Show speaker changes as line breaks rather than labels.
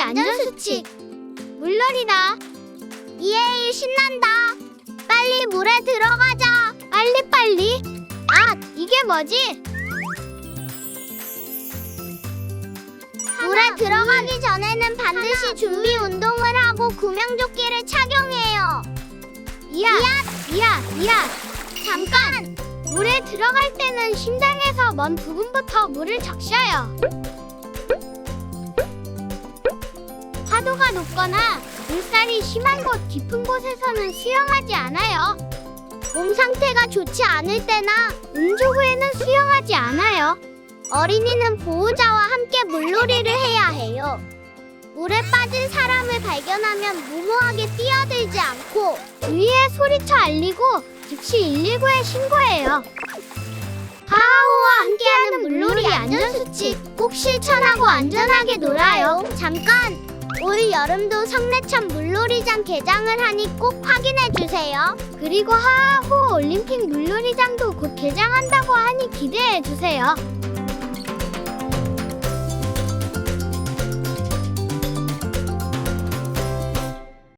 안전수칙. 물놀이다.
이에이, 신난다. 빨리 물에 들어가자.
빨리빨리. 아, 이게 뭐지?
물에 들어가기 전에는 반드시 준비 운동을 하고 구명조끼를 착용해요.
이야.
잠깐!
물에 들어갈 때는 심장에서 먼 부분부터 물을 적셔요. 파도가 높거나 물살이 심한 곳 깊은 곳에서는 수영하지 않아요.
몸 상태가 좋지 않을 때나
음주 후에는 수영하지 않아요.
어린이는 보호자와 함께 물놀이를 해야 해요. 물에 빠진 사람을 발견하면 무모하게 뛰어들지 않고
주위에 소리쳐 알리고 즉시 119에 신고해요.
하하호와 함께하는 물놀이 안전수칙 꼭 실천하고 안전하게 놀아요. 잠깐! 올 여름도 성내천 물놀이장 개장을 하니 꼭 확인해주세요.
그리고 하하호 올림픽 물놀이장도 곧 개장한다고 하니 기대해주세요.